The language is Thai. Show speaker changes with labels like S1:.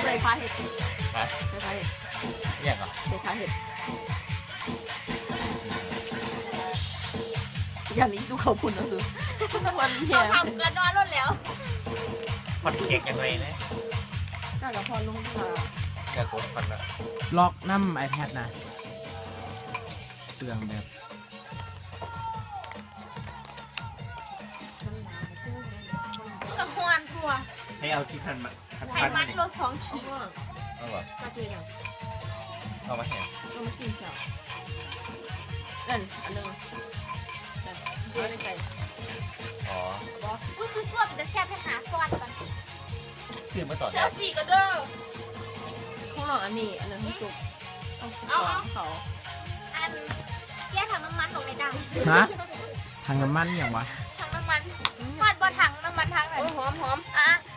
S1: ใส่ผ้าเห็ด
S2: ฮะ
S1: ใส่ผ้าเห็ด
S2: อย่างอ่ะ
S1: ใส่ผ้าเห็ดอย่างนี้ดูเขาพุ่นนะคือวันเหี้ย
S3: เขาทำเกินนอนรถแล้ว
S2: พอดเก่งยังไงนะ
S1: น่าจะพอลงมา
S2: อยากกดพันละ
S4: ล็อกน้ำ iPad นะเสื่องแบบ
S3: กับฮวนทัว
S2: ให้เอาที่พันมา
S3: ไขมันลด2 ขีด
S2: เอาแบบ
S1: ปลาเจยัง
S2: เอามาแห่
S1: เอามากินเช้านั่นอันนึงเอาได้ไก่
S2: อ๋อ
S3: อุ้ยคือชั่วเป็นจะแซ่บให้หาซอสก่อน
S2: ซื้อมาต่อ
S3: เซลฟี่ก็เด้อ
S1: ข้างนอกอันนี้อันนึงให้จุกเขา
S3: อันแก้ถังน้ำมันลงในดัง
S4: ฮะทางน้ำมันอย่างวะ
S3: ถังน้ำมันฟาดบอถังน้ำมันถังไหน
S1: หอม
S3: อ่ะ